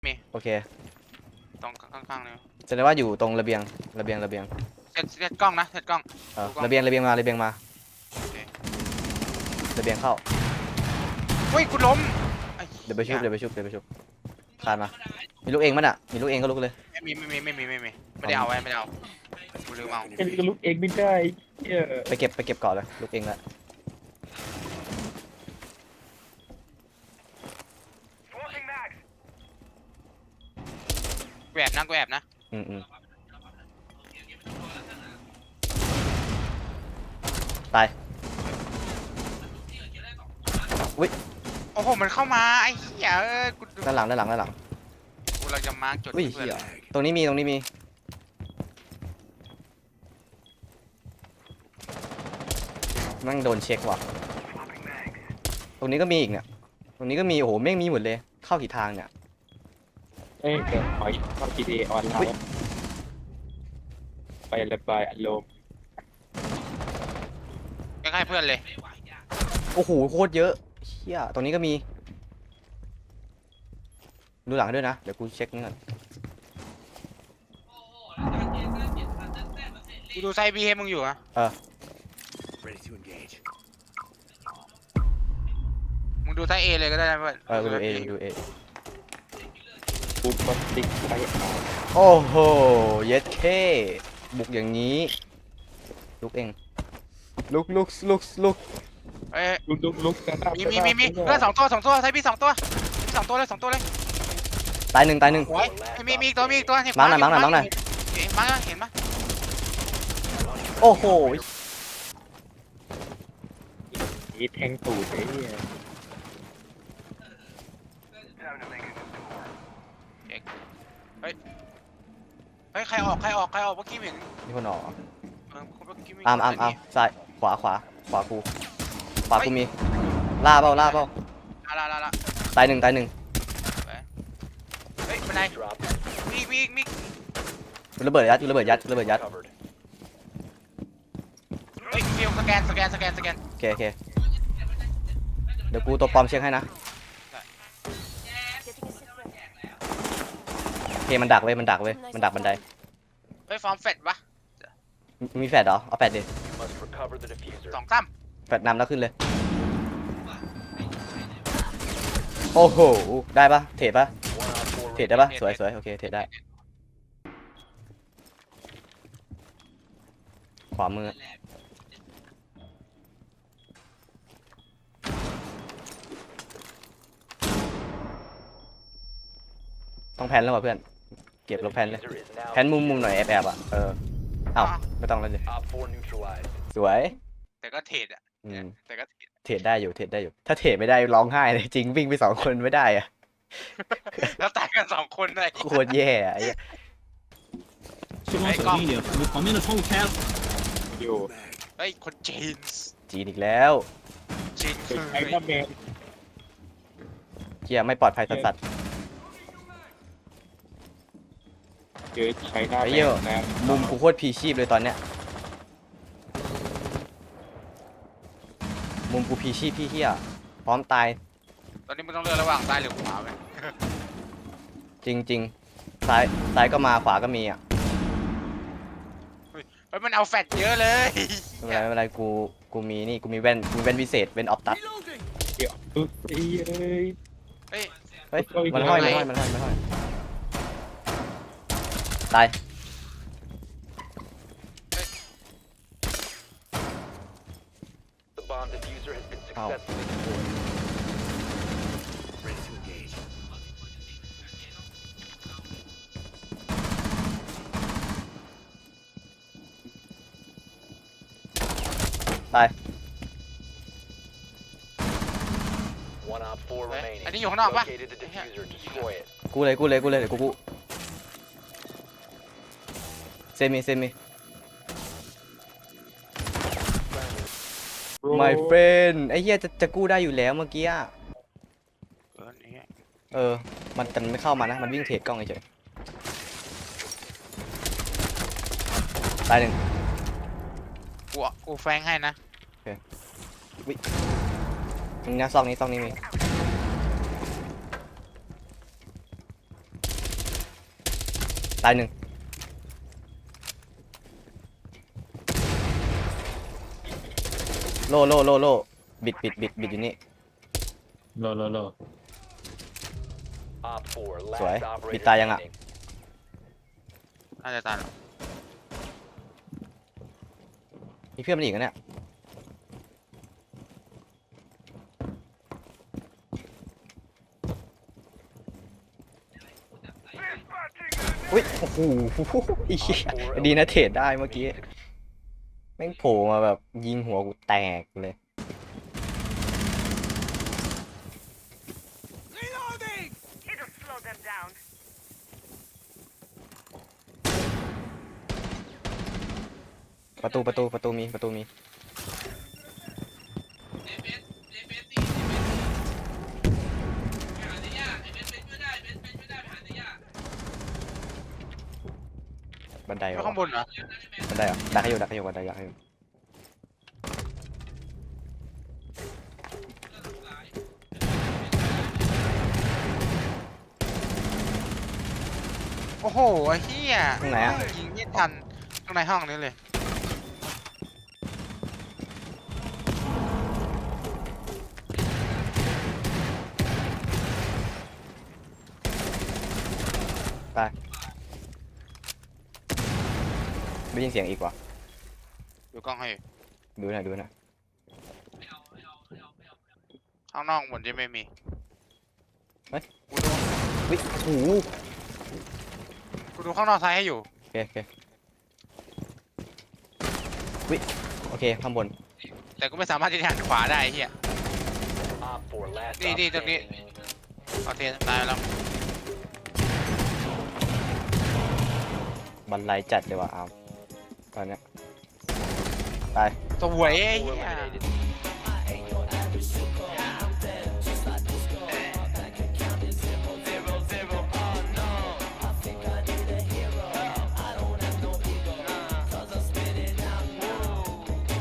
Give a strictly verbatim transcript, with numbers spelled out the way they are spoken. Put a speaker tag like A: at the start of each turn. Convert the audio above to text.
A: มี
B: โอเค
A: ตรงข้างๆเลย
B: แสดงว่าอยู่ตรงระเบียงระเบียงระเบียง
A: เซตเซตกล้องนะเซตกล้อง
B: เออ
A: ดูกล้อง
B: ระเบียงระเบียงมาระเบียงมา
A: โอเค
B: ระเบียงเข้า
A: เฮ้ยกูล้มไอ้
B: เดี๋ยวไปชุบ
A: หี้
B: เดี๋ยวไปชุบเดี๋ยวไปชุบคานมามีลูกเองมั้ยน่ะมีลูกเองก็ลุกเลย
A: ไม่มีไม่มีไม่มีไม่มีไม่ได้เอาไว้ไม่ได้เอากูลืมเอา
C: เอ็นก็ลุกเองไม่ได้เหี้ย
B: ไปเก็บไปเก็บก่อนเลยลูกเองละ
A: แอบนะกูแอบนะ
B: อืมอืมตายอุ้ย
A: โอ้โหมันเข้ามาไอ้เหี้ยเออกู
B: ด้านหลังด้านหลังด้านหลัง
A: กูเราจะมาร์กจุด
B: อุ้ย
A: ให้เพื่อน
B: เหี้ยตรงนี้มีตรงนี้มีนั่งโดนเช็คว่ะตรงนี้ก็มีอีกเนี่ยตรงนี้ก็มีโอ้โหแม่งมีหมดเลยเข้ากี่ทางเนี่ย
C: เอ้ยเดี๋ยวขอเข้า จี ที เอ ออนไลน์ไประบายอารมณ์
A: ใกล้ๆเพื่อนเลย
B: โอ้โหโคตรเยอะเชี่ยตรงนี้ก็มีดูหลังด้วยนะเดี๋ยวกูเช็คนี่ก่อน
A: กูดูไซบีให้มึงอยู่อะ
D: Ready to engage.
A: มึงดูไซเอเลยก็ได้นะเพื่อน
B: เออกูดูเอกูดูเอ
C: กูก็ติ๊กไปเอา
B: โอ้โหเย็ดเคบุกอย่างนี้ลุกเองลุกลุกลุกลุก
A: เอ้ย
C: ลุกลุกลุกกระดับ
A: มีมีมีมีเพื่อนสองตัวสองตัวไซบีสองตัวมีสองตัวเลยสองตัวเลย
B: ตายหนึ่งตายหนึ่ง
A: โอ้ยมีมีอีกตัวมีอีกตัวเห็น
B: มาร์คหน่อยมาร์คหน่อยมาร์คหน่อย
A: เห็นมาร์คหน่อยเห็นปะ
B: โอ้โห
C: อีแทงตูดไอ้เหี้ย
A: เฮ้ยใครออกใครออกใครออกเมื่อกี้เห็น
B: มีคนออก
A: เออเมื่อกี้มี
B: อามอามอามซ้ายขวาขวาขวากูขวากูมีล่าเปล่าล่าเปล่า
A: ลาลาลาลา
B: ตายหนึ่งตายหนึ่ง
A: เฮ้ยบันไดมีอีกมีอีกมีอีก
B: กูระเบิดยัดกูระเบิดยัดกูระเบิดยัด
D: Covered.
A: เฮ้ยฟิลสแกนสแกนสแกนสแกน
B: โอเคโอเคเดี๋ยวกูตัวปลอมเช็คให้นะโอเคมันดักเว้ยมันดักเว้ยมันดักบันได
A: เฮ้ยฟอร์มเฟดวะ
B: มีมีแฟดเหรอเอาแฟดดิ
D: You must recover the diffuser.
A: สองสาม
B: แฟดนำแล้วขึ้นเลยโอ้โหได้ปะเทรดปะ
D: One on four
B: เทรดได้ปะสวยสวยโอเคเทรดได้ขวามือต้องแพนแล้วว่ะเพื่อนเก็บลบแพนเลย
D: diffuser is now
B: แพนมุมมุมหน่อยแอบแอบอ่ะเออเอ้าไม่ต้องแล้วดิ
D: Op four neutralized.
B: สวย
A: แต่ก็เทรดอ่ะ
B: อืม
A: แต่ก็เทรด
B: เทรดได้อยู่เทรดได้อยู่ถ้าเทรดไม่ได้ร้องไห้เลยจริงวิ่งไปสองคนไม่ได้อะ
A: แล้วตายกันสองคนเลย
B: โคตรแย่อะไอ้เหี้ย
E: 这帮小弟弟，我旁边的窗户开了。
C: อยู่
A: เฮ้ยคนจีนส์
B: จีนอีกแล้ว
A: จีน
C: เป็
A: คื
C: น
A: อ
C: ไอ้หน้าแมน
B: เกียไม่ปลอดภัยสัสสัส
C: เจอใช้หน้า
B: ไอ้
C: แม
B: เหี้ย
C: นนะ
B: มุมกูโคตรพีชีพเลยตอนเนี้ยมุมกูพีชีพพี่เหี้ยพร้อมตาย
A: ตอนนี้มึงต้องเลือกระหว่างซ้ายหรือขวาไหม
B: จริงจริงซ้ายซ้ายก็มาขวาก็มีอ่ะ
A: เฮ้ยมันเอาแฟดเยอะเลย
B: ไม่เป็นไรไม่เป็นไรกูกูมีนี่กูมีแว่นกูมีแว่นวิเศษแว่นออฟตัส
C: เดี๋ยวปึ๊บไอ้เอ้ย
A: เฮ้ย
B: เฮ้ยมันห้อยมันห้อยมันห้อยมันห้อยตาย
D: The bomb diffuser has been
B: เอ้า
D: successfully deployed. Ready to engage.
B: ตาย
D: One op four
A: เฮ้ย
D: remaining.
A: อันนี้อยู่ข้างนอกปะ
D: Located the diffuser. Destroy it.
B: กูเลยกูเลยกูเลยเดี๋ยวกูกูเซมิเซมิ my friend ไอ้เหี้ยจะจะกู้ได้อยู่แล้วเมื่อกี้อะ
A: เออนี่
B: เออมันแต่มันไม่เข้ามานะมันวิ่งเทรดกล้องเฉยๆตายหนึ่ง
A: กูกูแฟงให้นะ
B: นี่นะซองนี้ซองนี้มีตายหนึ่งโลโลโลโลบิดบิดบิดบิดอยู่นี่
C: โลโลโล
D: Op four,
B: Sorry,
D: last operator
B: bị tai anh ạ.
D: standing.
A: น่าจะตายแล้ว
B: มีเพื่อนมันอีกนะเนี่ยอุ้ยโอ้โหอีเหี้ยดีนะเทรดได้เมื่อกี้แม่งโผล่มาแบบยิงหัวกูแตกเลย ประตูประตูประตูมีประตูมีบันไดเหร
A: ไม่
B: อ
A: ข้างบนเหรอ
B: บันไดเหรอดักให้อยู่ดักให้อยู่บันไดดักให้อยู่
A: โอ้โหไอ้เหี้ย
B: ตรงไหนอ่ะ
A: ยิงไม่ทันข้างในห้องนี้เลย
B: ไปได้ยินเสียงอีกว่ะ
A: ดูกล้องให้
B: ดูหน่อยดูหน่อย
A: ข้างนอกเหมือนจะไม่มี
B: เฮ้ย
A: กูดู
B: วิโอ้โห
A: กูดูข้างนอกซ้ายให้อยู่
B: โอเคโอเควิโอเคข้างบน
A: แต่กูไม่สามารถที่จะหันขวาได้ไอ้เหี้ย
D: Op four, last
A: Đi,
D: op
A: đi, tao đi.
D: standing.
A: เอาเทตายแล้ว
B: บันไลจัดเลยว่ะเอาตอนเนี้ยไป
A: สวยไอ้
D: Op four
A: เหี้ย
D: eliminated.